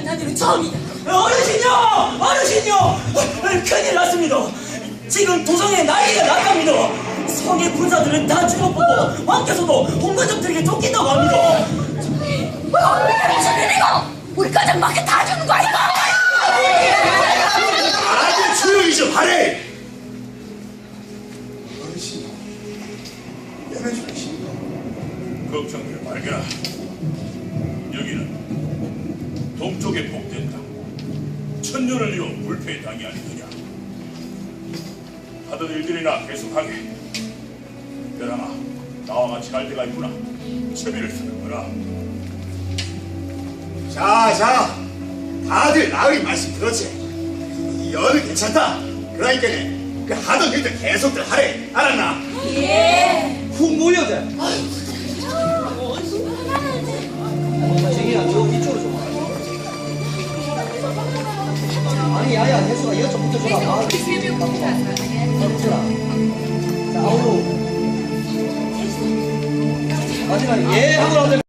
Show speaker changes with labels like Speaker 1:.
Speaker 1: 일어난 일은 처음이다.
Speaker 2: 어르신요! 어르신요! 큰일 났습니다. 지금 도성에 난리가 났답니다. 성의 군사들은 다 죽었고 왕께서도 홍관적들에게 쫓긴다고 합니다.
Speaker 1: 이게 무슨 일이고? 우리 가장 밖에 다 죽는 거 아닌가?
Speaker 3: 아주 조용히 좀 하래. 어르신, 연해주십니까?
Speaker 4: 걱정들 말거라. 여기는 동쪽의 복된 땅, 천년을 이어 불패의 땅이 아니더냐. 하던 일들이나 계속하게. 벼랑아, 나와 같이 갈 데가 있구나. 채비를 쓰는 거라.
Speaker 3: 자, 다들 나으리 말씀 들었지? 이 여는 괜찮다. 그러니까네 그 하던 일들 계속들 하래. 알았나?
Speaker 1: 예.
Speaker 5: 훅 모여대. 정이야, 저 이쪽으로 좀 와. 아니, 야야, 혜수가 이쪽 붙어줘라. 자, 아우로. 마지막에 예 하고 나오면